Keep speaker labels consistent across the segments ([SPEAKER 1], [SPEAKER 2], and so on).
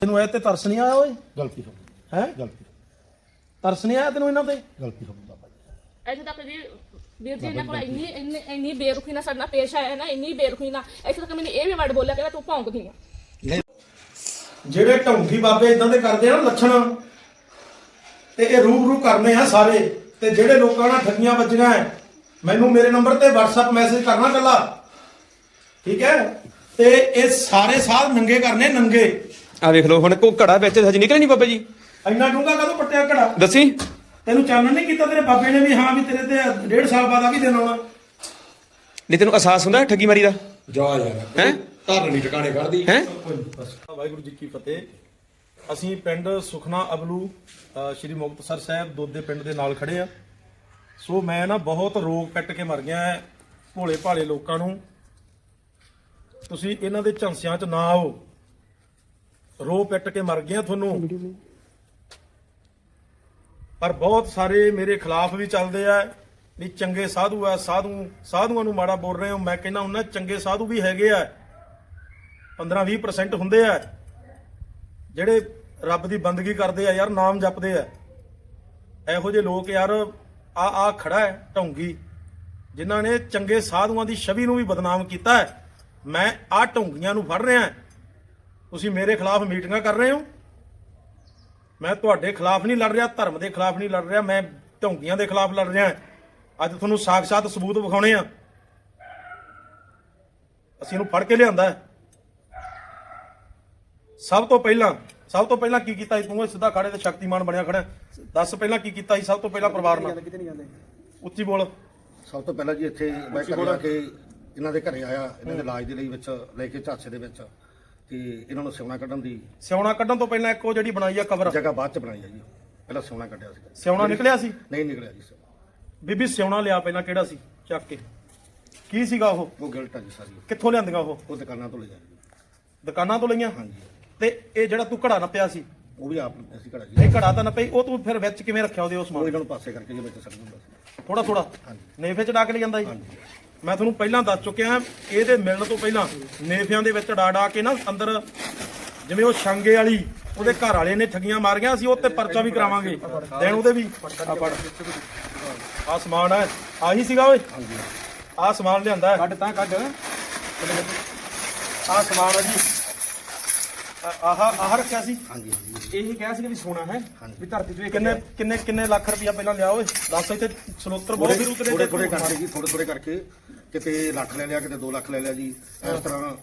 [SPEAKER 1] ਤੈਨੂੰ ਇਹ ਤੇ ਤਰਸ ਨਹੀਂ ਆਇਆ ਓਏ?
[SPEAKER 2] ਗਲਤੀ ਹੋ ਗਈ
[SPEAKER 1] ਹੈ
[SPEAKER 2] ਗਲਤੀ
[SPEAKER 1] ਤਰਸ ਨਹੀਂ ਆਇਆ ਤੈਨੂੰ ਇਹਨਾਂ ਤੇ?
[SPEAKER 2] ਗਲਤੀ ਹੋ ਗਈ ਬਾਬਾ ਜੀ।
[SPEAKER 3] ਇੱਥੇ ਤੱਕ ਜੀ ਵੀਰ ਜੀ ਇਹਨਾਂ ਕੋਲ ਇੰਨੀ ਬੇਰੁਖੀ ਨਾਲ ਸਾਡੇ ਨਾਲ ਪੇਸ਼ ਆਇਆ ਨਾ, ਇੰਨੀ ਬੇਰੁਖੀ ਨਾਲ। ਇੱਥੇ ਤੱਕ ਮੈਨੂੰ ਇਹ ਵੀ ਵਰਡ ਬੋਲਿਆ ਕਿ ਤੂੰ ਭੌਂਕਦੀ ਆ।
[SPEAKER 1] ਜਿਹੜੇ ਢੌਂਗੀ ਬਾਬੇ ਇਦਾਂ ਦੇ ਕਰਦੇ ਆ ਨਾ ਲੱਛਣ, ਤੇ ਇਹ ਰੂਬਰੂ ਕਰਨੇ ਆ ਸਾਰੇ। ਤੇ ਜਿਹੜੇ ਲੋਕਾਂ ਨਾਲ ਠੱਗੀਆਂ ਵੱਜੀਆਂ ਐ, ਮੈਨੂੰ ਮੇਰੇ ਨੰਬਰ ਤੇ WhatsApp ਮੈਸੇਜ ਕਰਨਾ ਕੱਲਾ, ਠੀਕ ਹੈ? ਤੇ ਇਹ ਸਾਰੇ ਸਾਧ ਨੰਗੇ ਕਰਨੇ, ਨੰਗੇ।
[SPEAKER 4] ਆ ਵੇਖ ਲਓ ਹੁਣ ਕੋ ਘੜਾ ਵਿੱਚ ਹਜੇ ਨਿਕਲਿਆ ਨਹੀਂ ਬਾਬਾ ਜੀ।
[SPEAKER 1] ਇੰਨਾ ਡੂੰਘਾ ਕਦੋਂ ਪੱਟਿਆ ਘੜਾ?
[SPEAKER 4] ਦੱਸੀ
[SPEAKER 1] ਤੈਨੂੰ ਚਾਨਣ ਨਹੀਂ ਕੀਤਾ ਤੇਰੇ ਬਾਬੇ ਨੇ ਵੀ ਹਾਂ ਵੀ ਤੇਰੇ ਤੇ 1.5 ਸਾਲ ਬਾਅਦ ਆ ਵੀ ਦਿਨ ਆਉਣਾ?
[SPEAKER 4] ਨਹੀਂ ਤੈਨੂੰ ਅਹਿਸਾਸ ਹੁੰਦਾ ਠੱਗੀ ਮਾਰੀ ਦਾ?
[SPEAKER 2] ਜਾ ਯਾਰ
[SPEAKER 4] ਹੈ
[SPEAKER 2] ਧਰਨ ਨਹੀਂ ਟਿਕਾਣੇ ਕਰਦੀ
[SPEAKER 4] ਹੈ।
[SPEAKER 1] ਵਾਹਿਗੁਰੂ ਜੀ ਕੀ ਫਤਿਹ। ਅਸੀਂ ਪਿੰਡ ਸੁਖਨਾ ਅਬਲੂ ਸ਼੍ਰੀ ਮੁਕਤਸਰ ਸਾਹਿਬ ਦੋਦੇ ਪਿੰਡ ਦੇ ਨਾਲ ਖੜੇ ਆ। ਸੋ ਮੈਂ ਨਾ ਬਹੁਤ ਰੋਗ ਕੱਟ ਕੇ ਮਰ ਗਿਆ ਭੋਲੇ ਭਾਲੇ ਲੋਕਾਂ ਨੂੰ। ਤੁਸੀਂ ਇਹਨਾਂ ਦੇ ਝਾਂਸਿਆਂ 'ਚ ਨਾ ਆਓ, ਰੋ ਪਿੱਟ ਕੇ ਮਰ ਗਿਆ ਤੁਹਾਨੂੰ। ਪਰ ਬਹੁਤ ਸਾਰੇ ਮੇਰੇ ਖਿਲਾਫ ਵੀ ਚੱਲਦੇ ਆ ਵੀ ਚੰਗੇ ਸਾਧੂ ਆ, ਸਾਧੂਆਂ ਨੂੰ ਮਾੜਾ ਬੋਲ ਰਹੇ ਹੋ। ਮੈਂ ਕਹਿੰਦਾ ਉਹਨਾਂ ਚੰਗੇ ਸਾਧੂ ਵੀ ਹੈਗੇ ਆ, 15-20% ਹੁੰਦੇ ਆ ਜਿਹੜੇ ਰੱਬ ਦੀ ਬੰਦਗੀ ਕਰਦੇ ਆ ਯਾਰ, ਨਾਮ ਜਪਦੇ ਆ। ਇਹੋ ਜਿਹੇ ਲੋਕ ਯਾਰ ਆ ਖੜਾ ਹੈ ਢੌਂਗੀ, ਜਿਨ੍ਹਾਂ ਨੇ ਚੰਗੇ ਸਾਧੂਆਂ ਦੀ ਛਵੀ ਨੂੰ ਵੀ ਬਦਨਾਮ ਕੀਤਾ ਹੈ। ਮੈਂ ਆ ਢੌਂਗੀਆਂ ਨੂੰ ਫੜ ਰਿਹਾ। ਤੁਸੀਂ ਮੇਰੇ ਖਿਲਾਫ ਮੀਟਿੰਗਾਂ ਕਰ ਰਹੇ ਹੋ। ਮੈਂ ਤੁਹਾਡੇ ਖਿਲਾਫ ਨਹੀਂ ਲੜ ਰਿਹਾ, ਧਰਮ ਦੇ ਖਿਲਾਫ ਨਹੀਂ ਲੜ ਰਿਹਾ, ਮੈਂ ਢੌਂਗੀਆਂ ਦੇ ਖਿਲਾਫ ਲੜ ਰਿਹਾ। ਅੱਜ ਤੁਹਾਨੂੰ ਸਾਖਸ਼ਾਤ ਸਬੂਤ ਵਿਖਾਉਣੇ ਆ। ਅਸੀਂ ਇਹਨੂੰ ਫੜ ਕੇ ਲਿਆਂਦਾ ਹੈ। ਸਭ ਤੋਂ ਪਹਿਲਾਂ ਕੀ ਕੀਤਾ ਸੀ ਤੂੰ? ਸਿੱਧਾ ਖੜੇ ਤੇ ਸ਼ਕਤੀਮਾਨ ਬਣਿਆ ਖੜਾ। ਦੱਸ ਪਹਿਲਾਂ ਕੀ ਕੀਤਾ ਸੀ? ਸਭ ਤੋਂ ਪਹਿਲਾਂ ਪਰਿਵਾਰ ਨਾਲ ਉੱਚੀ ਬੋਲ।
[SPEAKER 2] ਸਭ ਤੋਂ ਪਹਿਲਾਂ ਜੀ ਇੱਥੇ ਮੈਂ ਘਰੇ ਆ ਕੇ ਇਹਨਾਂ ਦੇ ਘਰੇ ਆਇਆ, ਇਹਨਾਂ ਦੇ ਇਲਾਜ ਦੇ ਲਈ ਵਿੱਚ ਲੈ ਕੇ ਝਾਂਸੇ ਦੇ ਵਿੱਚ, ਤੇ ਇਹਨਾਂ ਨੂੰ ਸਿਉਣਾ ਕੱਢਣ ਦੀ
[SPEAKER 1] ਸਿਉਣਾ ਕੱਢਣ ਤੋਂ ਪਹਿਲਾਂ ਇੱਕ ਉਹ ਜਿਹੜੀ ਬਣਾਈ ਆ ਕਵਰ
[SPEAKER 2] ਜਗ੍ਹਾ ਬਾਅਦ ਚ ਬਣਾਈ ਆ ਜੀ। ਪਹਿਲਾਂ ਸਿਉਣਾ ਕੱਢਿਆ ਸੀ।
[SPEAKER 1] ਸਿਉਣਾ ਨਿਕਲਿਆ ਸੀ?
[SPEAKER 2] ਨਹੀਂ ਨਿਕਲਿਆ ਜੀ ਸਿਉਣਾ।
[SPEAKER 1] ਬੀਬੀ ਸਿਉਣਾ ਲਿਆ ਪਹਿਲਾਂ, ਕਿਹੜਾ ਸੀ? ਚੱਕ ਕੇ ਕੀ ਸੀਗਾ ਉਹ
[SPEAKER 2] ਗਿਲਟ ਆ ਜੀ ਸਾਰੀ।
[SPEAKER 1] ਕਿੱਥੋਂ ਲਿਆਂਦੀਆਂ ਉਹ?
[SPEAKER 2] ਦੁਕਾਨਾਂ ਤੋਂ ਲਿਆ ਜੀ।
[SPEAKER 1] ਦੁਕਾਨਾਂ ਤੋਂ ਲਈਆਂ?
[SPEAKER 2] ਹਾਂਜੀ।
[SPEAKER 1] ਤੇ ਇਹ ਜਿਹੜਾ ਤੂੰ ਘੜਾ ਨੱਪਿਆ ਸੀ,
[SPEAKER 2] ਉਹ ਵੀ ਆਪ ਅਸੀਂ ਘੜਾ ਜੀ।
[SPEAKER 1] ਇਹ ਘੜਾ ਤਾਂ ਨੱਪਈ, ਉਹ ਤੂੰ ਫਿਰ ਵਿੱਚ ਕਿਵੇਂ ਰੱਖਿਆ ਉਹਦੇ? ਉਸ
[SPEAKER 2] ਉਹ
[SPEAKER 1] ਸਮਾਨ
[SPEAKER 2] ਇਹਨਾਂ ਨੂੰ ਪਾਸੇ ਕਰਕੇ ਜੀ ਵਿੱਚ ਸੱਟ ਦਿੰਦਾ ਸੀ।
[SPEAKER 1] ਥੋੜਾ
[SPEAKER 2] ਹਾਂਜੀ।
[SPEAKER 1] ਨੇਫੇ ਚ ਡਾ ਕੇ ਲੈ ਜਾਂਦਾ ਸੀ?
[SPEAKER 2] ਹਾਂਜੀ।
[SPEAKER 1] ਮੈਂ ਤੁਹਾਨੂੰ ਪਹਿਲਾਂ ਦੱਸ ਚੁੱਕਿਆ, ਇਹਦੇ ਮਿਲਣ ਤੋਂ ਪਹਿਲਾਂ ਨੇਫਿਆਂ ਦੇ ਵਿੱਚ ਡਾ ਕੇ ਨਾ ਅੰਦਰ, ਜਿਵੇਂ ਉਹ ਛਾਂਗੇ ਵਾਲੀ ਉਹਦੇ ਘਰ ਵਾਲੇ ਨੇ ਠੱਗੀਆਂ ਮਾਰੀਆਂ ਸੀ, ਉਹ ਤੇ ਪਰਚਾ ਵੀ ਕਰਾਵਾਂਗੇ ਦੇਣ ਉਹਦੇ ਵੀ। ਆ ਸਮਾਨ ਹੈ, ਆਹੀ ਸੀਗਾ ਓਏ?
[SPEAKER 2] ਹਾਂਜੀ।
[SPEAKER 1] ਆ ਸਮਾਨ ਲਿਆਂਦਾ ਕੱਢ ਤਾਂ ਕੱਢ। ਆ ਸਮਾਨ ਹੈ ਜੀ, ਆਹ ਰੱਖਿਆ ਸੀ।
[SPEAKER 2] ਹਾਂਜੀ।
[SPEAKER 1] ਇਹੀ ਕਿਹਾ ਸੀ ਕਿ ਵੀ ਸੋਨਾ ਹੈ
[SPEAKER 2] ਹਾਂਜੀ।
[SPEAKER 1] ਵੀ ਧਰਤੀ ਤੋਂ ਕਿੰਨੇ ਲੱਖ ਰੁਪਇਆ ਪਹਿਲਾਂ ਲਿਆ ਓਏ? ਦੱਸ। ਇੱਥੇ ਸਲੋਤਰ ਬਹੁਤ ਵੀਰੂ ਤੇਰੇ
[SPEAKER 2] ਥੋੜੇ ਕਰਕੇ ਜੀ, ਥੋੜੇ ਕਰਕੇ ਕਿਤੇ ਲੱਖ ਲੈ ਲਿਆ, ਕਿਤੇ 2 ਲੱਖ ਲੈ ਲਿਆ ਜੀ। ਇਸ ਤਰ੍ਹਾਂ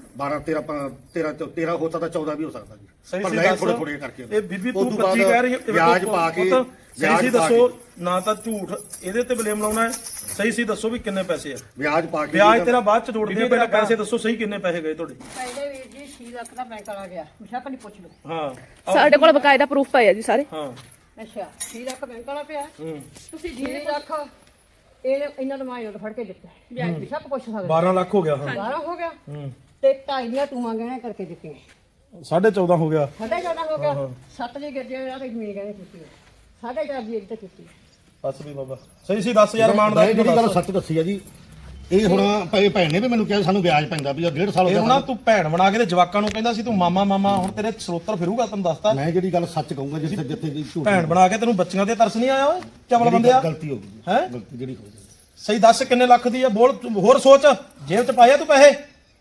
[SPEAKER 2] 13 ਹੋ ਸਕਦਾ, 14 ਵੀ ਹੋ ਸਕਦਾ ਜੀ।
[SPEAKER 1] ਸਹੀ
[SPEAKER 2] ਪਰ
[SPEAKER 1] ਸੀ
[SPEAKER 2] ਨਹੀਂ,
[SPEAKER 1] ਦੱਸ।
[SPEAKER 2] ਥੋੜੇ ਕਰਕੇ।
[SPEAKER 1] ਇਹ ਬੀਬੀ ਤੂੰ
[SPEAKER 2] ਉਸ ਤੋਂ
[SPEAKER 1] 25 ਕਹਿ ਰਹੀ ਹੈ,
[SPEAKER 2] ਵਿਆਜ ਪਾ ਕੇ
[SPEAKER 1] ਸਹੀ ਸੀ ਦੱਸੋ ਨਾ, ਤਾਂ ਝੂਠ ਇਹਦੇ ਤੇ ਬਲੇਮ ਲਾਉਣਾ ਹੈ। ਸਹੀ ਸੀ ਦੱਸੋ ਵੀ ਕਿੰਨੇ ਪੈਸੇ ਆ?
[SPEAKER 2] ਵਿਆਜ ਪਾ ਕੇ
[SPEAKER 1] ਵਿਆਜ ਤੇਰਾ ਬਾਅਦ ਚ ਜੋੜਦੇ ਆ, ਪਹਿਲਾਂ ਪੈਸੇ ਦੱਸੋ ਸਹੀ ਕਿੰਨੇ ਪੈਸੇ ਗਏ ਤੁਹਾਡੇ?
[SPEAKER 5] ਪਹਿਲੇ ਵੀਰ ਜੀ 6 ਲੱਖ ਦਾ ਬੈਂਕ ਵਾਲਾ ਗਿਆ, ਬਿਸ਼ੱਕ ਨਹੀਂ ਪੁੱਛ ਲਓ।
[SPEAKER 1] ਹਾਂ
[SPEAKER 3] ਸਾਡੇ ਕੋਲ ਬਕਾਇਦਾ ਪ੍ਰੂਫ ਪਏ ਆ ਜੀ ਸਾਰੇ।
[SPEAKER 1] ਹਾਂ।
[SPEAKER 5] ਅੱਛਾ 6 ਲੱਖ ਬੈਂਕ ਵਾਲਾ ਪਿਆ,
[SPEAKER 3] ਤੁਸੀਂ
[SPEAKER 5] 6 ਲੱਖ ਇਹਨਾਂ ਨੂੰ ਮਾਇਓ ਫੜ ਕੇ ਦਿੱਤਾ, ਵਿਆਜ ਬਿਸ਼ੱਕ ਪੁੱਛ ਸਕਦੇ।
[SPEAKER 1] 12 ਲੱਖ ਹੋ ਗਿਆ। ਹਾਂ
[SPEAKER 5] 12 ਹੋ ਗਿਆ ਤੇ 2.5 ਦੀਆਂ ਤੂੰ ਗਹਿਣੇ ਕਰਕੇ ਦਿੱਤੀਆਂ,
[SPEAKER 1] 14.5 ਹੋ ਗਿਆ।
[SPEAKER 5] 14.5 ਹੋ ਗਿਆ। 7 ਦੀ ਗਿਰਜੇ ਆ ਤੇ ਜ਼ਮੀਨ ਗਹਿਣੇ ਕੀਤੀ, 4.5 ਦੀ ਇੱਕ ਤੇ ਕੀਤੀ।
[SPEAKER 1] ਬਸ ਵੀ ਬਾਬਾ ਸਹੀ ਸੀ ਦੱਸ ਯਾਰ, ਇਮਾਨਦਾਰੀ
[SPEAKER 2] ਜਿਹੜੀ ਗੱਲ ਸੱਚ ਦੱਸੀ ਆ ਜੀ। ਇਹ ਹੁਣ ਭੈਣ ਨੇ ਵੀ ਮੈਨੂੰ ਕਿਹਾ ਸਾਨੂੰ ਵਿਆਜ ਪੈਂਦਾ ਵੀ 1.5 ਸਾਲ ਹੋ
[SPEAKER 1] ਇਹ
[SPEAKER 2] ਗਿਆ।
[SPEAKER 1] ਹੁਣ ਤੂੰ ਭੈਣ ਬਣਾ ਕੇ ਤੇ ਜਵਾਕਾਂ ਨੂੰ ਕਹਿੰਦਾ ਸੀ ਤੂੰ ਮਾਮਾ ਹੁਣ ਤੇਰੇ ਸਰੋਤਰ ਫਿਰੂਗਾ, ਤੈਨੂੰ ਦੱਸਤਾ।
[SPEAKER 2] ਮੈਂ ਜਿਹੜੀ ਗੱਲ ਸੱਚ ਕਹੂੰਗਾ, ਜਿੱਥੇ ਦੀ ਝੂਠ
[SPEAKER 1] ਭੈਣ ਬਣਾ ਕੇ ਤੈਨੂੰ ਬੱਚੀਆਂ ਤੇ ਤਰਸ ਨਹੀਂ ਆਇਆ ਓਏ? ਚਵਲ ਬੰਦੇ ਆ।
[SPEAKER 2] ਗਲਤੀ ਹੋ ਗਈ
[SPEAKER 1] ਹੈ
[SPEAKER 2] ਗਲਤੀ ਜਿਹੜੀ ਹੋ ਗਈ।
[SPEAKER 1] ਸਹੀ ਦੱਸ ਕਿੰਨੇ ਲੱਖ ਦੀ ਆ? ਬੋਲ ਹੋਰ ਸੋਚ, ਜੇਬ ਚ ਪਾਇਆ ਤੂੰ ਪੈਸੇ?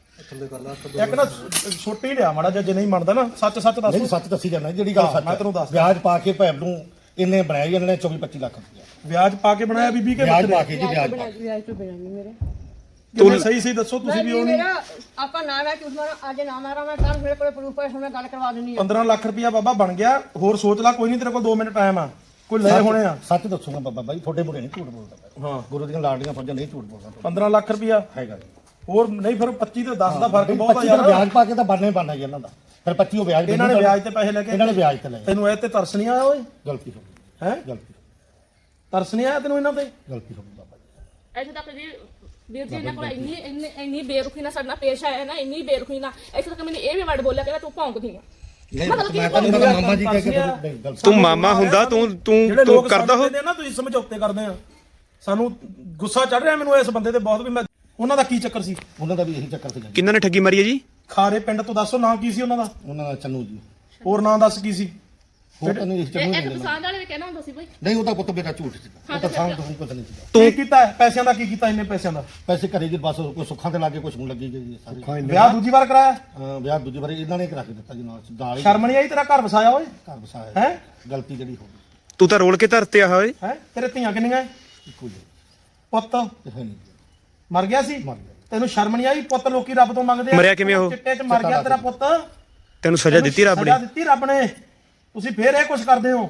[SPEAKER 1] ਇੱਕ ਨਾ ਛੋਟੀ ਲਿਆ ਮਾੜਾ ਜੇ ਨਹੀਂ ਮੰਨਦਾ ਨਾ, ਸੱਚ ਦੱਸ।
[SPEAKER 2] ਨਹੀਂ ਸੱਚ ਦੱਸੀ ਜਾਂਦਾ ਜਿਹੜੀ ਗੱਲ ਸੱਚ।
[SPEAKER 1] ਮੈਂ ਤੈਨੂੰ ਦੱਸਦਾ।
[SPEAKER 2] ਵਿਆਜ ਪਾ ਕੇ ਭੈਣ ਨੂੰ ਇਹਨੇ ਬਣਾਇਆ ਜੀ, ਇਹਨਾਂ ਨੇ 24-25 ਲੱਖ ਰੁਪਇਆ
[SPEAKER 1] ਵਿਆਜ ਪਾ ਕੇ ਬਣਾਇਆ ਬੀਬੀ ਕੇ?
[SPEAKER 2] ਵਿਆਜ ਪਾ ਕੇ ਜੀ, ਵਿਆਜ ਪਾ ਕੇ।
[SPEAKER 5] ਵਿਆਜ ਤੋਂ ਬਿਨਾਂ ਨਹੀਂ ਮੇਰੇ
[SPEAKER 1] ਤੂੰ ਸਹੀ ਸੀ ਦੱਸੋ ਤੁਸੀਂ ਵੀ? ਉਹ ਨਹੀਂ
[SPEAKER 5] ਮੇਰਾ ਆਪਾਂ ਨਾ ਮੈਂ ਝੂਠ ਮਾਰਾਂ, ਅੱਜ ਨਾ ਮਾਰਾਂ ਮੈਂ, ਕੱਲ ਮੇਰੇ ਕੋਲ ਪ੍ਰੂਫ ਹੈ, ਮੈਂ ਗੱਲ ਕਰਵਾ ਦਿੰਦੀ ਆ।
[SPEAKER 1] 15 ਲੱਖ ਰੁਪਇਆ ਬਾਬਾ ਬਣ ਗਿਆ। ਹੋਰ ਸੋਚ ਲੈ, ਕੋਈ ਨਹੀਂ ਤੇਰੇ ਕੋਲ 2 ਮਿੰਟ ਟਾਈਮ ਆ, ਕੋਈ ਲੈ ਹੋਣੇ ਆ।
[SPEAKER 2] ਸੱਚ ਦੱਸੂਗਾ ਬਾਬਾ ਬਾਈ, ਤੁਹਾਡੇ ਮੁੰਡੇ ਨਹੀਂ ਝੂਠ ਬੋਲਦਾ।
[SPEAKER 1] ਹਾਂ
[SPEAKER 2] ਗੁਰੂ ਦੀਆਂ ਲਾਡੀਆਂ ਫੌਜਾਂ ਨਹੀਂ ਝੂਠ ਬੋਲਦਾ।
[SPEAKER 1] 15 ਲੱਖ ਰੁਪਇਆ
[SPEAKER 2] ਹੈਗਾ ਜੀ।
[SPEAKER 1] ਹੋਰ ਨਹੀਂ ਫਿਰ 25 ਤੇ 10 ਦਾ ਫਰਕ ਬਹੁਤ ਆ
[SPEAKER 2] 25
[SPEAKER 1] ਯਾਰ।
[SPEAKER 2] ਵਿਆਜ ਪਾ ਕੇ ਤਾਂ ਬਣਨਾ ਜੀ ਇਹਨਾਂ ਦਾ। ਫਿਰ 25 ਉਹ ਵਿਆਜ
[SPEAKER 1] ਇਹਨਾਂ ਨੇ ਵਿਆਜ ਤੇ ਪੈਸੇ ਲੈ ਕੇ,
[SPEAKER 2] ਇਹਨਾਂ ਨੇ ਵਿਆਜ ਤੇ ਲਏ।
[SPEAKER 1] ਤੈਨੂੰ ਇਹ ਤੇ ਤਰਸ ਨਹੀਂ ਆਇਆ ਓਏ?
[SPEAKER 2] ਗਲਤੀ ਹੋ ਗਈ
[SPEAKER 1] ਹੈ
[SPEAKER 2] ਗਲਤੀ
[SPEAKER 1] ਤਰਸ ਨਹੀਂ ਆਇਆ ਤੈਨੂੰ ਇਹਨਾਂ ਤੇ?
[SPEAKER 2] ਗਲਤੀ ਹੋ ਗਈ ਬਾਬਾ ਜੀ।
[SPEAKER 3] ਇੱਥੇ ਤੱਕ ਜੀ ਵੀਰ ਜੀ ਇਹਨਾਂ ਕੋਲ ਇੰਨੀ ਬੇਰੁਖੀ ਨਾਲ ਸਾਡੇ ਨਾਲ ਪੇਸ਼ ਆਇਆ ਨਾ, ਇੰਨੀ ਬੇਰੁਖੀ ਨਾਲ। ਇੱਥੇ ਤੱਕ ਮੈਨੂੰ ਇਹ ਵੀ ਵਰਡ ਬੋਲਿਆ ਕਿ ਤੂੰ ਭੌਂਕਦੀ ਆ।
[SPEAKER 2] ਮੈਂ ਤਾਂ ਮਾਮਾ ਜੀ ਕਹਿ ਕੇ ਗਲਤੀ।
[SPEAKER 4] ਤੂੰ ਮਾਮਾ ਹੁੰਦਾ, ਤੂੰ ਕਰਦਾ ਹੋ
[SPEAKER 1] ਨਾ, ਤੁਸੀਂ ਸਮਝੌਤੇ ਕਰਦੇ ਆ। ਸਾਨੂੰ ਗੁੱਸਾ ਚੜ ਰਿਹਾ ਮੈਨੂੰ ਇਸ ਬੰਦੇ ਤੇ ਬਹੁਤ, ਵੀ ਮੈਂ ਉਹਨਾਂ ਦਾ ਕੀ ਚੱਕਰ ਸੀ?
[SPEAKER 2] ਉਹਨਾਂ ਦਾ ਵੀ ਇਹੀ ਚੱਕਰ ਸੀ।
[SPEAKER 4] ਕਿੰਨਾਂ ਨੇ ਠੱਗੀ ਮਾਰੀ ਹੈ ਜੀ?
[SPEAKER 1] ਖਾਰੇ ਪਿੰਡ ਤੋਂ ਦੱਸੋ ਨਾਮ ਕੀ ਸੀ ਉਹਨਾਂ ਦਾ?
[SPEAKER 2] ਉਹਨਾਂ ਦਾ ਚੰਨੂ ਜੀ।
[SPEAKER 1] ਹੋਰ ਨਾਂ ਦੱਸ ਕੀ ਸੀ?
[SPEAKER 2] ਹੋਰ ਤਾਂ ਨਹੀਂ ਇਸ ਚ
[SPEAKER 3] ਇਹ
[SPEAKER 2] ਨਹੀਂ
[SPEAKER 3] ਇੱਕ
[SPEAKER 2] ਲੈਣਾ।
[SPEAKER 3] ਪਸੰਦ ਵਾਲੇ ਵੀ ਕਹਿਣਾ ਹੁੰਦਾ ਸੀ ਬਈ
[SPEAKER 2] ਨਹੀਂ ਉਹਦਾ ਪੁੱਤ ਬੇਟਾ ਝੂਠ ਸੀ ਉਹ ਤਾਂ ਸਾਹਮਣੇ ਤੁਹਾਨੂੰ ਪਤਾ ਨਹੀਂ ਸੀ
[SPEAKER 1] ਕੀ ਕੀਤਾ ਹੈ? ਪੈਸਿਆਂ ਦਾ ਕੀ ਕੀਤਾ ਇੰਨੇ ਪੈਸਿਆਂ ਦਾ?
[SPEAKER 2] ਪੈਸੇ ਘਰੇ ਜੀ ਬਸ ਕੋਈ ਸੁੱਖਾਂ ਦੇ ਲਾਗੇ ਕੁਝ ਹੁਣ ਲੱਗੀ ਗਈ ਸਾਰੇ
[SPEAKER 1] ਵਿਆਹ ਦੂਜੀ ਵਾਰ ਕਰਾਇਆ?
[SPEAKER 2] ਵਿਆਹ ਦੂਜੀ ਵਾਰੀ ਇਹਨਾਂ ਨੇ ਕਰਾ ਕੇ ਦਿੱਤਾ ਜੀ ਨਾਲ ਹੀ
[SPEAKER 1] ਸ਼ਰਮ ਨਹੀਂ ਆਈ ਤੇਰਾ ਘਰ ਵਸਾਇਆ ਓਏ?
[SPEAKER 2] ਘਰ ਵਸਾਇਆ
[SPEAKER 1] ਹੈ
[SPEAKER 2] ਗਲਤੀ ਜਿਹੜੀ ਹੋ ਗਈ
[SPEAKER 4] ਤੂੰ ਤਾਂ ਰੋਲ ਕੇ ਧਰਤੇ ਆ ਓਏ।
[SPEAKER 1] ਹੈ ਤੇਰੇ ਧੀਆਂ ਕਿੰਨੀਆਂ ਹੈ?
[SPEAKER 2] ਇੱਕੋ ਜੀ
[SPEAKER 1] ਪੁੱਤ
[SPEAKER 2] ਤੇ ਹੈ ਨਹੀਂ
[SPEAKER 1] ਮਰ ਗਿਆ ਸੀ?
[SPEAKER 2] ਮਰ ਗਿਆ
[SPEAKER 1] ਤੈਨੂੰ ਸ਼ਰਮ ਨਹੀਂ ਆਈ? ਪੁੱਤ ਲੋਕੀ ਰੱਬ ਤੋਂ ਮੰਗਦੇ ਆ।
[SPEAKER 4] ਮਰਿਆ ਕਿਵੇਂ ਉਹ?
[SPEAKER 1] ਚਿੱਟੇ 'ਚ ਮਰ ਗਿਆ ਤੇਰਾ ਪੁੱਤ।
[SPEAKER 4] ਤੈਨੂੰ ਸਜ਼ਾ ਦਿੱਤੀ ਰੱਬ ਨੇ?
[SPEAKER 1] ਸਜ਼ਾ ਦਿੱਤੀ ਰੱਬ ਨੇ। ਤੁਸੀਂ ਫੇਰ ਇਹ ਕੁਝ ਕਰਦੇ ਹੋ?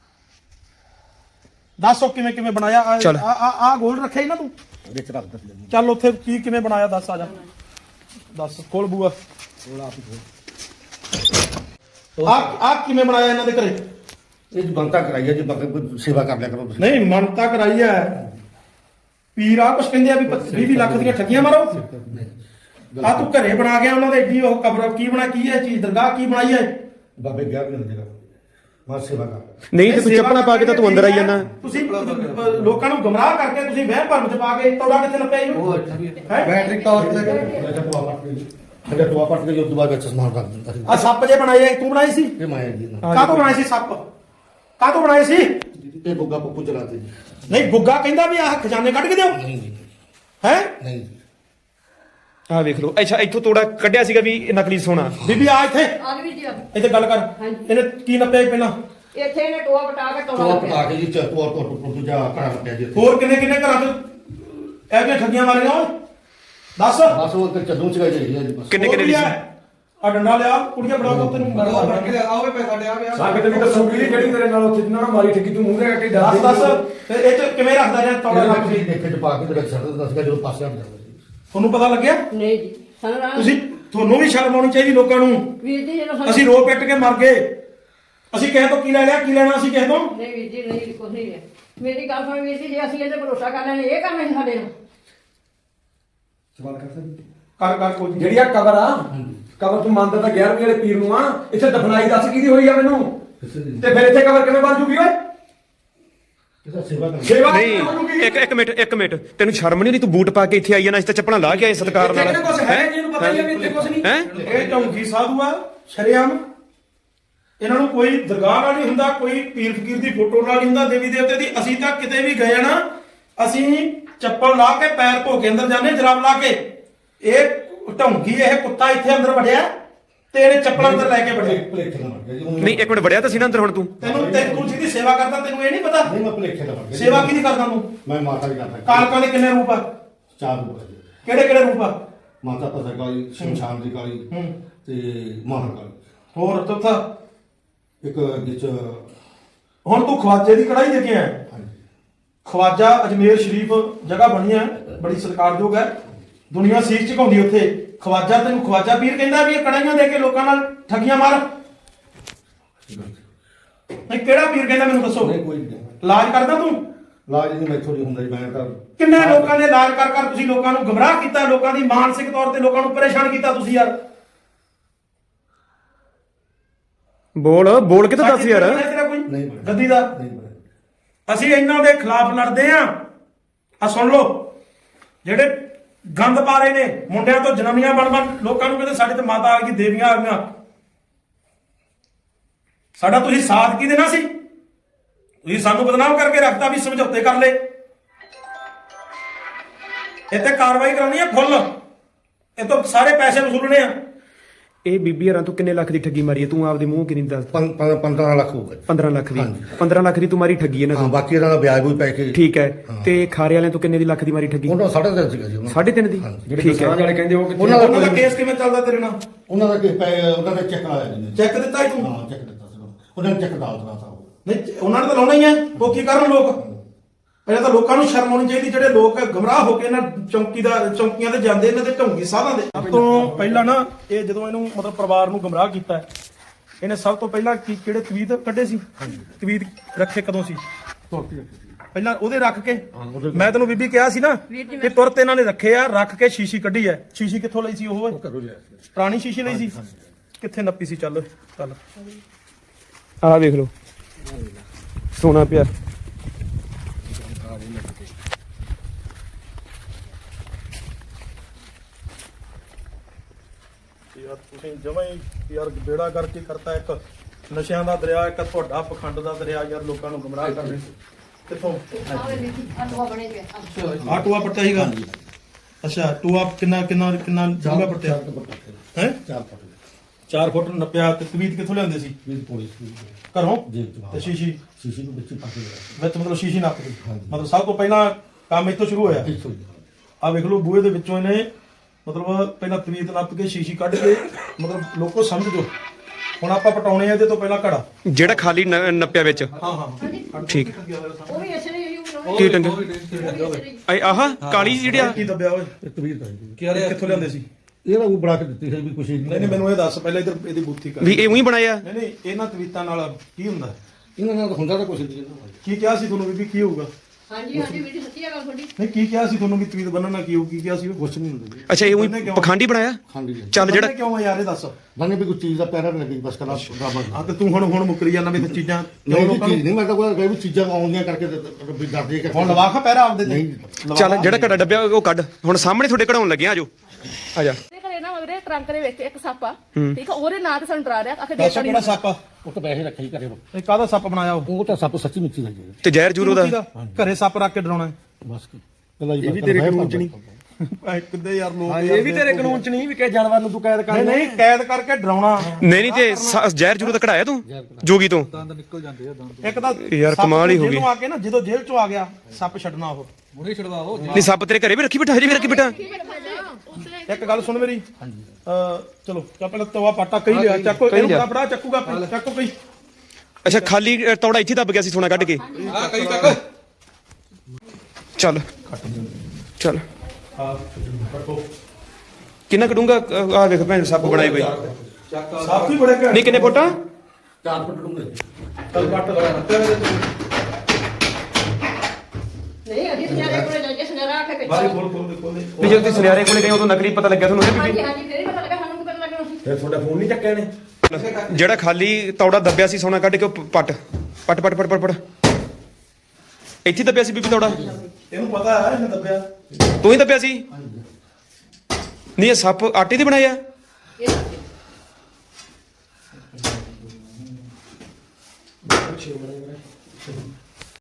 [SPEAKER 1] ਦੱਸੋ ਕਿਵੇਂ ਕਿਵੇਂ ਬਣਾਇਆ?
[SPEAKER 4] ਚੱਲ।
[SPEAKER 1] ਆ ਗੋਲ ਰੱਖਿਆ ਹੀ ਨਾ ਤੂੰ?
[SPEAKER 2] ਵਿੱਚ ਰੱਖ ਦਿੱਤੀ ਜੀ
[SPEAKER 1] ਚੱਲ ਉੱਥੇ ਕੀ ਕਿਵੇਂ ਬਣਾਇਆ ਦੱਸ, ਆ ਜਾ ਦੱਸ, ਖੋਲ ਬੂਆ। ਆ ਕਿਵੇਂ ਬਣਾਇਆ ਇਹਨਾਂ ਦੇ ਘਰੇ?
[SPEAKER 2] ਇਹ ਜੀ ਬੰਤਾ ਕਰਾਈ ਹੈ ਜੀ ਬਾਕੀ ਸੇਵਾ ਕਰ ਲਿਆ ਕਰੋ ਤੁਸੀਂ
[SPEAKER 1] ਨਹੀਂ ਮੰਨਤਾ ਕਰਾਈ ਐ ਪੀਰ ਆ ਕੁਛ ਕਹਿੰਦੇ ਆ ਵੀ 20 ਲੱਖ ਦੀਆਂ ਠੱਗੀਆਂ ਮਾਰੋ। ਆ ਤੂੰ ਘਰੇ ਬਣਾ ਗਿਆ ਉਹਨਾਂ ਦੇ ਏਡੀ ਉਹ ਕਬਰ ਕੀ ਬਣਾ, ਕੀ ਹੈ ਚੀਜ਼, ਦਰਗਾਹ ਕੀ ਬਣਾਈ ਐ?
[SPEAKER 2] ਬਾਬੇ ਗਿਆ ਨਹੀਂ ਜਗ੍ਹਾ ਮੈਂ ਸੇਵਾ ਕਰ
[SPEAKER 4] ਨਹੀਂ ਤੇ ਤੂੰ ਚੱਪਣਾ ਪਾ ਕੇ ਤਾਂ ਤੂੰ ਅੰਦਰ ਆਈ ਜਾਂਦਾ।
[SPEAKER 1] ਤੁਸੀਂ ਲੋਕਾਂ ਨੂੰ ਗੁੰਮਰਾਹ ਕਰਕੇ ਤੁਸੀਂ ਵਹਿਮ ਭਰਮ ਚ ਪਾ ਕੇ ਤੋੜਾ ਕਿੱਥੇ ਲੱਪਿਆ ਇਹਨੂੰ? ਹੈ
[SPEAKER 2] ਬੈਟਰੀ ਤੌਰ ਤੇ ਸਾਡਾ ਟੋਆ ਪੱਟ ਕੇ ਜੋ ਦੁਬਾਰਾ ਵਿੱਚ ਸਮਾਨ ਰੱਖ ਦਿੰਦਾ ਸੀ
[SPEAKER 1] ਆ ਸੱਪ ਜੇ ਬਣਾਏ ਐ, ਤੂੰ ਬਣਾਈ ਸੀ?
[SPEAKER 2] ਇਹ ਮਾਇਆ ਜੀ ਨਾਲ
[SPEAKER 1] ਕਾਹਤੋਂ ਬਣਾਏ ਸੀ ਸੱਪ? ਕਾਹਤੋਂ ਬਣਾਏ ਸੀ?
[SPEAKER 2] ਇਹ ਬੁੱਗਾ ਪੱਪੂ ਚਲਾਤੇ ਜੀ
[SPEAKER 1] ਨਹੀਂ ਗੁੱਗਾ ਕਹਿੰਦਾ ਵੀ ਆਹ ਖਜ਼ਾਨੇ ਕੱਢ ਕੇ ਦਿਓ।
[SPEAKER 2] ਨਹੀਂ ਜੀ
[SPEAKER 1] ਹੈ
[SPEAKER 2] ਨਹੀਂ ਜੀ
[SPEAKER 4] ਆ ਵੇਖ ਲਓ। ਅੱਛਾ ਇੱਥੋਂ ਤੋੜਾ ਕੱਢਿਆ ਸੀਗਾ ਵੀ ਇਹ ਨਕਲੀ ਸੋਨਾ।
[SPEAKER 1] ਬੀਬੀ ਆ ਇੱਥੇ,
[SPEAKER 5] ਆ ਵੀ ਜੀ
[SPEAKER 1] ਇੱਥੇ ਗੱਲ ਕਰ।
[SPEAKER 5] ਹਾਂਜੀ।
[SPEAKER 1] ਇਹਨੇ ਕੀ ਨੱਪਿਆ ਸੀ ਪਹਿਲਾਂ?
[SPEAKER 5] ਇੱਥੇ ਇਹਨੇ ਟੋਆ ਪਟਾ ਕੇ ਟੋਆ
[SPEAKER 2] ਟੋਆ
[SPEAKER 5] ਲੱਭਿਆ।
[SPEAKER 2] ਪਟਾ ਕੇ ਜੀ ਟੋਆ ਦੂਜਾ ਘੜਾ ਲੱਪਿਆ ਜੀ
[SPEAKER 1] ਹੋਰ ਕਿੰਨੇ ਕਿੰਨੇ ਘਰਾਂ 'ਚ ਇਹ ਜਿਹੀਆਂ ਠੱਗੀਆਂ ਮਾਰੀਆਂ ਓਏ? ਦੱਸ।
[SPEAKER 2] ਬਸ ਉਹ ਤੇ ਚੱਦੂ ਚ ਗਈ ਜੀ ਬਸ
[SPEAKER 4] ਕਿੰਨੇ ਕਿੰਨੇ ਦੀ ਸੀ?
[SPEAKER 1] ਆ ਡੰਡਾ ਲਿਆ, ਕੁੜੀਆਂ ਫੜਾ ਦੋ ਤੈਨੂੰ
[SPEAKER 6] ਸਾਗਤ ਵੀ ਦੱਸੂਗੀ ਜਿਹੜੀ ਤੇਰੇ ਨਾਲ ਉੱਥੇ ਜਿੰਨਾਂ ਨਾਲ ਮਾਰੀ ਠੱਗੀ ਤੂੰ ਮੂਹਰੇ ਕੱਟੀ
[SPEAKER 1] ਦੱਸ ਦੱਸ ਫਿਰ ਇਹ 'ਚ ਕਿਵੇਂ ਰੱਖਦਾ ਰਿਹਾ ਤੌੜਾ ਲੱਗ
[SPEAKER 2] ਤੁਸੀਂ
[SPEAKER 1] ਕੇ?
[SPEAKER 2] ਦੇਖੇ ਚ ਪਾ ਕੇ ਤੇ ਛੱਡ ਦਿੰਦਾ ਸੀਗਾ ਜਦੋਂ ਪਾਸੇ ਹਟ ਜਾਂਦਾ ਸੀ
[SPEAKER 1] ਤੁਹਾਨੂੰ ਪਤਾ ਲੱਗਿਆ?
[SPEAKER 5] ਨਹੀਂ ਜੀ ਸਾਨੂੰ ਨਾ
[SPEAKER 1] ਤੁਹਾਨੂੰ ਵੀ ਸ਼ਰਮ ਆਉਣੀ ਚਾਹੀਦੀ ਲੋਕਾਂ ਨੂੰ।
[SPEAKER 5] ਵੀਰ ਜੀ ਜਦੋਂ
[SPEAKER 1] ਅਸੀਂ ਰੋ ਪਿੱਟ ਕੇ ਮਰ ਗਏ। ਅਸੀਂ ਕਿਸੇ ਤੋਂ ਕੀ ਲੈ ਲਿਆ? ਕੀ ਲੈਣਾ ਅਸੀਂ ਕਿਸੇ ਤੋਂ?
[SPEAKER 5] ਨਹੀਂ ਵੀਰ ਜੀ ਨਹੀਂ ਕੁਝ ਨਹੀਂ ਹੈ। ਮੇਰੀ ਗੱਲ ਸੁਣ ਵੀਰ ਜੀ, ਜੇ ਅਸੀਂ ਇਹਦੇ ਭਰੋਸਾ ਕਰ ਲੈਣੇ ਇਹ ਕੰਮ ਨਹੀਂ ਸਾਡੇ ਨੂੰ।
[SPEAKER 6] ਸਵਾਲ ਕਰ ਸਕਦੀ
[SPEAKER 1] ਕਰ ਕਰ ਕੋਈ
[SPEAKER 6] ਜਿਹੜੀ ਆ ਕਬਰ ਆ ਕਬਰ ਤੂੰ ਮੰਨਦਾ ਤਾਂ 11ਵੀਂ ਵਾਲੇ ਪੀਰ ਨੂੰ ਆ ਇੱਥੇ ਦਫਨਾਈ ਦੱਸ ਕਿਹਦੀ ਹੋਈ ਆ ਮੈਨੂੰ ਤੇ ਫਿਰ ਇੱਥੇ ਕਬਰ ਕਿਵੇਂ ਬਣ ਜੂਗੀ ਓਏ
[SPEAKER 2] ਇਹਦਾ ਸੇਵਾ ਕਰ
[SPEAKER 6] ਸੇਵਾ
[SPEAKER 4] ਨਹੀਂ ਇੱਕ ਮਿੰਟ ਤੈਨੂੰ ਸ਼ਰਮ ਨਹੀਂ ਆਉਂਦੀ? ਤੂੰ ਬੂਟ ਪਾ ਕੇ ਇੱਥੇ ਆਈ ਜਾਣਾ, ਇਸ ਤੇ ਚੱਪਲਾਂ ਲਾ ਕੇ ਆਏ ਸਤਿਕਾਰ ਨਾਲ।
[SPEAKER 6] ਕੁਝ ਹੈ ਜੀ ਇਹਨੂੰ ਪਤਾ ਹੀ ਆ ਵੀ ਇੱਥੇ ਕੁਝ ਨਹੀਂ
[SPEAKER 4] ਹੈ
[SPEAKER 1] ਇਹ ਢੌਂਗੀ ਸਾਧੂ ਆ ਸ਼ਰੇਆਮ। ਇਹਨਾਂ ਨੂੰ ਕੋਈ ਦਰਗਾਹ ਨਾਲ ਨਹੀਂ ਹੁੰਦਾ, ਕੋਈ ਪੀਰ ਫਕੀਰ ਦੀ ਫੋਟੋ ਨਾਲ ਨਹੀਂ ਹੁੰਦਾ, ਦੇਵੀ ਦੇਵਤੇ ਦੀ। ਅਸੀਂ ਤਾਂ ਕਿਤੇ ਵੀ ਗਏ ਨਾ, ਅਸੀਂ ਚੱਪਲ ਲਾ ਕੇ ਪੈਰ ਧੋ ਕੇ ਅੰਦਰ ਜਾਂਦੇ, ਜਰਾਬ ਲਾ ਕੇ। ਇਹ ਢੌਂਗੀ ਇਹ ਕੁੱਤਾ ਇੱਥੇ ਅੰਦਰ ਵੜਿਆ ਤੇ ਇਹਨੇ ਚੱਪਲਾਂ ਅੰਦਰ ਲੈ ਕੇ ਵੜਿਆ।
[SPEAKER 2] ਭਲੇਖੇ ਨਾਲ ਵੜ ਗਿਆ ਜੀ
[SPEAKER 4] ਨਹੀਂ ਇੱਕ ਮਿੰਟ ਵੜਿਆ ਤਾਂ ਸੀ ਨਾ ਅੰਦਰ ਹੁਣ ਤੂੰ?
[SPEAKER 1] ਤੂੰ ਜਿਹਦੀ ਸੇਵਾ ਕਰਦਾ ਤੈਨੂੰ ਇਹ ਨਹੀਂ ਪਤਾ?
[SPEAKER 2] ਨਹੀਂ ਮੈਂ ਭਲੇਖੇ ਨਾਲ ਵੜ ਗਿਆ
[SPEAKER 1] ਸੇਵਾ ਕਿਹਦੀ ਕਰਦਾ ਤੂੰ?
[SPEAKER 2] ਮੈਂ ਮਾਤਾ ਦੀ ਕਰਦਾ
[SPEAKER 1] ਕਾਲਕਾਂ ਦੇ ਕਿੰਨੇ ਰੂਪ ਆ?
[SPEAKER 2] 4 ਰੂਪ ਹੈ ਜੀ
[SPEAKER 1] ਕਿਹੜੇ ਕਿਹੜੇ ਰੂਪ ਆ?
[SPEAKER 2] ਮਾਤਾ ਪਸਰ ਕਾਲੀ ਸ਼ਮਸ਼ਾਨ ਦੀ ਕਾਲੀ ਤੇ ਮਹਾਕਾਲੀ
[SPEAKER 1] ਹੋਰ ਚੌਥਾ?
[SPEAKER 2] ਇੱਕ ਵਿੱਚ
[SPEAKER 1] ਹੁਣ ਤੂੰ ਖਵਾਜੇ ਦੀ ਕੜਾਈ ਦੇ ਕੇ ਆਇਆ।
[SPEAKER 2] ਹਾਂਜੀ
[SPEAKER 1] ਖਵਾਜਾ ਅਜਮੇਰ ਸ਼ਰੀਫ ਜਗ੍ਹਾ ਬਣੀ ਹੈ, ਬੜੀ ਸਤਿਕਾਰਯੋਗ ਹੈ, ਦੁਨੀਆ ਸੀਖ ਝੁਕਾਉਂਦੀ ਉੱਥੇ। ਖਵਾਜਾ ਤੈਨੂੰ ਖਵਾਜਾ ਪੀਰ ਕਹਿੰਦਾ ਵੀ ਇਹ ਕੜਾਈਆਂ ਦੇ ਕੇ ਲੋਕਾਂ ਨਾਲ ਠੱਗੀਆਂ ਮਾਰ। ਨਹੀਂ ਕਿਹੜਾ ਪੀਰ ਕਹਿੰਦਾ ਮੈਨੂੰ ਦੱਸੋ?
[SPEAKER 2] ਨਹੀਂ ਕੋਈ ਨਹੀਂ
[SPEAKER 1] ਇਲਾਜ ਕਰਦਾ ਤੂੰ?
[SPEAKER 2] ਲਾਜ ਨਹੀਂ ਮੈਥੋਂ ਨਹੀਂ ਹੁੰਦਾ ਜੀ ਮੈਂ ਤਾਂ
[SPEAKER 1] ਕਿੰਨੇ ਲੋਕਾਂ ਦੇ ਇਲਾਜ ਕਰ ਕਰ ਤੁਸੀਂ ਲੋਕਾਂ ਨੂੰ ਗਮਰਾਹ ਕੀਤਾ, ਲੋਕਾਂ ਦੀ ਮਾਨਸਿਕ ਤੌਰ ਤੇ ਲੋਕਾਂ ਨੂੰ ਪਰੇਸ਼ਾਨ ਕੀਤਾ ਤੁਸੀਂ ਯਾਰ।
[SPEAKER 4] ਬੋਲ ਕੇ ਤਾਂ ਦੱਸ ਯਾਰ।
[SPEAKER 1] ਤੇਰਾ ਕੋਈ
[SPEAKER 2] ਨਹੀਂ ਬਣਿਆ।
[SPEAKER 1] ਗੱਦੀ ਦਾ?
[SPEAKER 2] ਨਹੀਂ ਬਣਿਆ।
[SPEAKER 1] ਅਸੀਂ ਇਹਨਾਂ ਦੇ ਖਿਲਾਫ ਲੜਦੇ ਆਂ। ਆ ਸੁਣ ਲਓ, ਜਿਹੜੇ ਗੰਦ ਪਾ ਰਹੇ ਨੇ, ਮੁੰਡਿਆਂ ਤੋਂ ਜਨਾਨੀਆਂ ਬਣ ਲੋਕਾਂ ਨੂੰ ਕਹਿੰਦੇ ਸਾਡੇ ਤੇ ਮਾਤਾ ਆ ਗਈ, ਦੇਵੀਆਂ ਆ ਗਈਆਂ। ਸਾਡਾ ਤੁਸੀਂ ਸਾਥ ਕੀ ਦੇਣਾ ਸੀ? ਤੁਸੀਂ ਸਾਨੂੰ ਬਦਨਾਮ ਕਰਕੇ ਰੱਖਤਾ ਵੀ ਸਮਝੌਤੇ ਕਰ ਲਏ। ਇੱਥੇ ਕਾਰਵਾਈ ਕਰਾਉਣੀ ਹੈ ਫੁੱਲ, ਇਹ ਤੋਂ ਸਾਰੇ ਪੈਸੇ ਵਸੂਲਣੇ ਆ।
[SPEAKER 4] ਇਹ ਬੀਬੀ ਯਾਰਾਂ ਤੂੰ ਕਿੰਨੇ ਲੱਖ ਦੀ ਠੱਗੀ ਮਾਰੀ ਹੈ? ਤੂੰ ਆਪਦੇ ਮੂੰਹ ਕਿੰਨੀ ਦੱਸ?
[SPEAKER 2] 15 ਲੱਖ ਹੋਊਗਾ ਜੀ
[SPEAKER 4] 15 ਲੱਖ ਦੀ।
[SPEAKER 2] ਹਾਂਜੀ।
[SPEAKER 4] 15 ਲੱਖ ਦੀ ਤੂੰ ਮਾਰੀ ਠੱਗੀ ਇਹਨਾਂ
[SPEAKER 2] ਹਾਂ
[SPEAKER 4] ਤੋਂ?
[SPEAKER 2] ਬਾਕੀ ਇਹਨਾਂ ਦਾ ਵਿਆਜ ਵੀ ਪੈ ਕੇ
[SPEAKER 4] ਠੀਕ ਹੈ। ਤੇ ਖਾਰੇ ਵਾਲਿਆਂ ਤੋਂ ਕਿੰਨੇ ਦੀ ਲੱਖ ਦੀ ਮਾਰੀ ਠੱਗੀ?
[SPEAKER 2] ਉਹਨਾਂ 3.5 ਸੀਗਾ ਜੀ ਉਹਨਾਂ
[SPEAKER 4] 3.5 ਦੀ?
[SPEAKER 6] ਜਿਹੜੇ
[SPEAKER 4] ਠੀਕ
[SPEAKER 6] ਕਿਸਾਨ
[SPEAKER 4] ਹੈ।
[SPEAKER 6] ਵਾਲੇ ਕਹਿੰਦੇ ਉਹ ਕਿੱਥੇ
[SPEAKER 2] ਉਹਨਾਂ
[SPEAKER 1] ਉਹਨਾਂ ਦਾ ਕੇਸ ਕਿਵੇਂ ਚੱਲਦਾ ਤੇਰੇ ਨਾਲ?
[SPEAKER 2] ਉਹਨਾਂ ਦਾ ਕਿ ਉਹਨਾਂ ਦਾ ਚੈੱਕ ਆਇਆ ਜੀ
[SPEAKER 1] ਚੈੱਕ ਦਿੱਤਾ ਹੀ ਤੂੰ?
[SPEAKER 2] ਹਾਂ ਚੈੱਕ ਦਿੱਤਾ ਸੀ ਉਹਨਾਂ ਨੇ ਚੈੱਕ ਦਾਲ ਦਿੱਤਾ
[SPEAKER 1] ਨਹੀਂ ਉਹਨਾਂ ਨੇ ਤਾਂ ਲਾਉਣਾ ਹੀ ਹੈ। ਉਹ ਕੀ ਕਰਨ ਲੋਕ? ਪਹਿਲਾਂ ਤਾਂ ਲੋਕਾਂ ਨੂੰ ਸ਼ਰਮ ਆਉਣੀ ਚਾਹੀਦੀ, ਜਿਹੜੇ ਲੋਕ ਗਮਰਾਹ ਹੋ ਕੇ ਇਹਨਾਂ ਚੌਂਕੀਆਂ ਤੇ ਜਾਂਦੇ, ਇਹਨਾਂ ਦੇ ਢੌਂਗੀ ਸਾਧਾਂ ਦੇ। ਸਭ ਤੋਂ ਪਹਿਲਾਂ ਨਾ ਇਹ ਜਦੋਂ ਇਹਨੂੰ ਮਤਲਬ ਪਰਿਵਾਰ ਨੂੰ ਗਮਰਾਹ ਕੀਤਾ ਹੈ, ਇਹਨੇ ਸਭ ਤੋਂ ਪਹਿਲਾਂ ਕਿਹੜੇ ਤਵੀਤ ਕੱਢੇ ਸੀ? ਤਵੀਤ ਰੱਖੇ ਕਦੋਂ ਸੀ? ਪਹਿਲਾਂ ਉਹਦੇ ਰੱਖ ਕੇ ਮੈਂ ਤੈਨੂੰ ਬੀਬੀ ਕਿਹਾ ਸੀ ਨਾ ਕਿ ਤੁਰਤ ਇਹਨਾਂ ਨੇ ਰੱਖੇ ਆ, ਰੱਖ ਕੇ ਸ਼ੀਸ਼ੀ ਕੱਢੀ ਹੈ। ਸ਼ੀਸ਼ੀ ਕਿੱਥੋਂ ਲਈ ਸੀ? ਉਹ ਪੁਰਾਣੀ ਸ਼ੀਸ਼ੀ ਲਈ ਸੀ। ਕਿੱਥੇ ਨੱਪੀ ਸੀ? ਚੱਲ ਚੱਲ
[SPEAKER 4] ਆਹ ਵੇਖ ਲਓ ਸੋਨਾ ਪਿਆ।
[SPEAKER 1] ਯਾਰ ਤੁਸੀਂ ਜਮਾਂ ਹੀ ਯਾਰ ਬੇੜਾ ਕਰਕੇ ਕਰਤਾ ਇੱਕ। ਨਸ਼ਿਆਂ ਦਾ ਦਰਿਆ, ਇੱਕ ਤੁਹਾਡਾ ਪਖੰਡ ਦਾ ਦਰਿਆ ਯਾਰ, ਲੋਕਾਂ ਨੂੰ ਗੁੰਮਰਾਹ ਕਰ ਰਹੇ ਕਿੱਥੋਂ ਆ ਟੂਆ ਪੱਟਿਆ ਸੀਗਾ? ਅੱਛਾ, ਟੂਆ ਕਿੰਨਾ ਡੂੰਘਾ ਪੱਟਿਆ ਹੈ? 4 ਫੁੱਟ ਨੱਪਿਆ। ਤੇ ਤਵੀਤ ਕਿੱਥੋਂ ਲਿਆਉਂਦੇ ਸੀ? ਘਰੋਂ? ਤੇ ਸ਼ੀਸ਼ੀ
[SPEAKER 2] ਨੂੰ ਵਿੱਚ ਪਾ ਕੇ
[SPEAKER 1] ਵਿੱਚ ਮਤਲਬ ਸ਼ੀਸ਼ੀ ਨੱਪ ਗਈ। ਮਤਲਬ ਸਭ ਤੋਂ ਪਹਿਲਾਂ ਕੰਮ ਇੱਥੋਂ ਸ਼ੁਰੂ ਹੋਇਆ। ਆ ਵੇਖ ਲਓ ਬੂਹੇ ਦੇ ਵਿੱਚੋਂ ਇਹਨੇ ਮਤਲਬ ਪਹਿਲਾਂ ਤਵੀਤ ਨੱਪ ਕੇ ਸ਼ੀਸ਼ੀ ਕੱਢ ਕੇ, ਮਤਲਬ ਲੋਕੋ ਸਮਝ ਜੋ ਹੁਣ ਆਪਾਂ ਪਟਾਉਣੇ ਆ ਇਹਦੇ ਤੋਂ ਪਹਿਲਾਂ ਘੜਾ।
[SPEAKER 4] ਜਿਹੜਾ ਖਾਲੀ ਨੱਪਿਆ ਵਿੱਚ।
[SPEAKER 1] ਹਾਂ
[SPEAKER 4] ਠੀਕ।
[SPEAKER 5] ਉਹ ਵੀ ਅਸਲੇ ਹੀ
[SPEAKER 4] ਕੀ ਟੰਗੇ ਆਹ ਕਾਲੀ ਜਿਹੜੀ ਆ?
[SPEAKER 1] ਕੀ ਦੱਬਿਆ ਓਏ? ਕਿੱਥੋਂ ਲਿਆਂਦੇ ਸੀ?
[SPEAKER 2] ਇਹਦਾ ਉਹ ਬਣਾ ਕੇ ਦਿੱਤੀ ਸੀ ਵੀ ਕੁਛ
[SPEAKER 1] ਨਹੀਂ ਮੈਨੂੰ ਇਹ ਦੱਸ ਪਹਿਲਾਂ ਇਧਰ ਇਹਦੀ ਬੂਥੀ ਕਰ।
[SPEAKER 4] ਵੀ ਇਹ ਉਹੀ ਬਣਾਇਆ?
[SPEAKER 1] ਨਹੀਂ ਇਹਨਾਂ ਤਵੀਤਾਂ ਨਾਲ ਕੀ ਹੁੰਦਾ?
[SPEAKER 2] ਇਹਨਾਂ ਨਾਲ ਹੁੰਦਾ ਤਾਂ ਕੁਛ ਨਹੀਂ।
[SPEAKER 1] ਕੀ ਕਿਹਾ ਸੀ ਤੁਹਾਨੂੰ ਵੀ ਕੀ ਹੋਊਗਾ?
[SPEAKER 5] ਹਾਂਜੀ ਵੀਰ ਜੀ ਸੱਚੀ ਗੱਲ ਤੁਹਾਡੀ।
[SPEAKER 1] ਨਹੀਂ ਕੀ ਕਿਹਾ ਸੀ ਤੁਹਾਨੂੰ ਵੀ ਤਵੀਤ ਬੰਨਣ ਨਾਲ ਕੀ ਹੋਊ? ਕੀ ਕਿਹਾ ਸੀ?
[SPEAKER 2] ਕੁਛ ਨਹੀਂ ਹੁੰਦਾ ਜੀ।
[SPEAKER 4] ਅੱਛਾ, ਇਹ ਉਹੀ ਪਖੰਡੀ ਬਣਾਇਆ?
[SPEAKER 2] ਹਾਂਜੀ
[SPEAKER 4] ਚੱਲ ਜਿਹੜਾ
[SPEAKER 1] ਕਿਉਂ ਆ ਯਾਰ ਇਹ ਦੱਸ।
[SPEAKER 2] ਬੰਨੇ ਵੀ ਕੋਈ ਚੀਜ਼ ਦਾ ਪੈਰਾ ਲੱਗੀ ਬਸ ਕਰਾ ਡਰਾਮਾ।
[SPEAKER 1] ਹਾਂ ਤੇ ਤੂੰ ਹੁਣ ਮੁੱਕਰੀ ਜਾਂਦਾ ਵੀ ਤੇ ਚੀਜ਼ਾਂ
[SPEAKER 2] ਨਹੀਂ ਚੀਜ਼ ਨਹੀਂ, ਮੈਂ ਤਾਂ ਕੋਈ ਵੀ ਚੀਜ਼ਾਂ ਆਉਂਦੀਆਂ ਕਰਕੇ ਵੀ ਡਰਦੇ ਕਿ
[SPEAKER 1] ਹੁਣ ਲਵਾ ਖਾ ਪਹਿਰਾ ਆਪਦੇ ਤੇ।
[SPEAKER 2] ਨਹੀਂ
[SPEAKER 4] ਚੱਲ ਜਿਹੜਾ ਘੜਾ ਡੱਬਿਆ ਉਹ ਕੱਢ। ਹੁਣ ਸਾਹਮਣੇ ਤੁਹਾਡੇ ਕਢਾਉਣ ਲੱਗੇ ਆ। ਆਜੋ ਆ ਜਾ।
[SPEAKER 3] ਤੇ ਘਰੇ ਨਾ ਮੇਰੇ ਟਰੰਕ ਦੇ ਵਿੱਚ ਇੱਕ ਸੱਪ ਆ, ਠੀਕ ਆ, ਉਹਦੇ ਨਾਂ ਤੇ ਸਾਨੂੰ ਡਰਾ ਰਿਹਾ। ਆਖੇ
[SPEAKER 1] ਦੱਸੋ ਕਿਹੜਾ ਸੱਪ ਆ?
[SPEAKER 2] ਉਹ ਤਾਂ ਪੈਸੇ ਰੱਖੇ ਹੀ ਕਰੇ
[SPEAKER 1] ਇਹ ਕਾਹਦਾ ਸੱਪ ਬਣਾਇਆ
[SPEAKER 2] ਉਹ ਤਾਂ ਸੱਪ ਸੱਚੀ ਮਿੱਚੀ ਦਾ ਜੀ
[SPEAKER 4] ਤੇ ਜ਼ਹਿਰ ਜੂਰ ਉਹਦਾ?
[SPEAKER 1] ਘਰੇ ਸੱਪ ਰੱਖ ਕੇ ਡਰਾਉਣਾ
[SPEAKER 2] ਬਸ ਕੱਲਾ ਜੀ।
[SPEAKER 6] ਇਹ ਵੀ ਤੇਰੇ ਕਾਨੂੰਨ ਚ ਨਹੀਂ।
[SPEAKER 1] ਕਿੱਦੇ ਯਾਰ ਲੋਕ
[SPEAKER 6] ਇਹ ਵੀ ਤੇਰੇ ਕਾਨੂੰਨ ਚ ਨਹੀਂ ਵੀ ਕਿਸੇ ਜਾਨਵਰ ਨੂੰ ਤੂੰ ਕੈਦ ਕਰ।
[SPEAKER 1] ਨਹੀਂ ਕੈਦ ਕਰਕੇ ਡਰਾਉਣਾ।
[SPEAKER 4] ਨਹੀਂ ਤੇ ਜ਼ਹਿਰ ਜੂਰ ਦਾ ਕਢਾਇਆ ਤੂੰ ਜੋਗੀ ਤੋਂ?
[SPEAKER 1] ਇੱਕ ਤਾਂ
[SPEAKER 4] ਯਾਰ
[SPEAKER 1] ਸੱਪ
[SPEAKER 4] ਕਮਾਲ ਹੀ ਹੋ ਗਈ।
[SPEAKER 1] ਜੇਲ੍ਹੋਂ ਆ ਕੇ ਨਾ ਜਦੋਂ ਜੇਲ੍ਹ ਚੋਂ ਆ ਗਿਆ ਸੱਪ ਛੱਡਣਾ ਉਹ।
[SPEAKER 4] ਨਹੀਂ ਸੱਪ ਤੇਰੇ ਘਰੇ ਵੀ ਰੱਖੀ ਬਿਠਾ? ਹਜੇ ਵੀ ਰੱਖੀ ਬਿਠਾ?
[SPEAKER 1] ਇੱਕ ਗੱਲ ਸੁਣ ਮੇਰੀ। ਚਲੋ ਚੱਲ ਪਹਿਲਾਂ ਤਵਾ ਪਾਟਾ ਕਹੀ ਲਿਆ। ਚੱਕੋ ਇਹਨੂੰ ਕਪੜਾ ਚੱਕੂਗਾ ਚੱਕੋ ਕਈ।
[SPEAKER 4] ਅੱਛਾ, ਖਾਲੀ ਤੌੜਾ ਇੱਥੇ ਦੱਬ ਗਿਆ ਸੀ ਸੋਨਾ ਕੱਢ ਕੇ? ਚੱਲ ਚੱਲ
[SPEAKER 1] ਹਾਂ ਕੱਟੋ।
[SPEAKER 4] ਕਿੰਨਾ ਕਢੂੰਗਾ? ਆ ਵੇਖ ਭੈਣ ਸੱਪ ਬਣਾਏ ਬਈ।
[SPEAKER 1] ਸੱਪ ਹੀ ਬੜੇ ਘੈਂਟ।
[SPEAKER 4] ਨਹੀਂ ਕਿੰਨੇ ਫੁੱਟਾਂ?
[SPEAKER 2] 4 ਫੁੱਟ ਡੂੰਘੇ।
[SPEAKER 1] ਚੱਲ ਕੱਟ
[SPEAKER 5] ਨਹੀਂ ਅਜੀ ਸੁਨਿਆਰੇ ਕੋਲੇ ਜਾ ਕੇ ਸੁਨਿਆਰਾ ਆ ਕੇ
[SPEAKER 1] ਬਾਰੀ
[SPEAKER 5] ਬੈਠਾ।
[SPEAKER 1] ਖੋਲ ਦੇ।
[SPEAKER 4] ਵੀ ਜਦੋਂ ਤੁਸੀਂ ਸੁਨਿਆਰੇ ਕੋਲੇ ਗਏ ਉਦੋਂ ਨਕਲੀ ਪਤਾ ਲੱਗਿਆ ਤੁਹਾਨੂੰ? ਇਹ
[SPEAKER 5] ਹਾਂਜੀ ਹਾਂਜੀ ਫੇਰ ਹੀ ਪਤਾ ਲੱਗਾ ਸਾਨੂੰ ਕੀ ਪਤਾ ਲੱਗਣਾ ਸੀ।
[SPEAKER 6] ਫਿਰ ਤੁਹਾਡਾ ਫੋਨ ਨਹੀਂ ਚੱਕਿਆ ਨੇ?
[SPEAKER 4] ਵੀ ਜਿਹੜਾ ਖਾਲੀ ਤੌੜਾ ਦੱਬਿਆ ਸੀ ਸੋਨਾ ਕੱਢ ਕੇ ਉਹ ਪੱਟ ਪੱਟ ਪੱਟ ਪੱਟ ਪੱਟ ਇੱਥੇ ਦੱਬਿਆ ਸੀ ਬੀਬੀ ਤੌੜਾ?
[SPEAKER 1] ਇਹਨੂੰ ਪਤਾ ਹੈ ਇਹਨੇ ਦੱਬਿਆ।
[SPEAKER 4] ਤੂੰ ਹੀ ਦੱਬਿਆ ਸੀ? ਨਹੀਂ ਇਹ ਸੱਪ ਆਟੇ ਦੀ ਬਣਾਇਆ?
[SPEAKER 5] ਇਹ ਸੱਚੀ।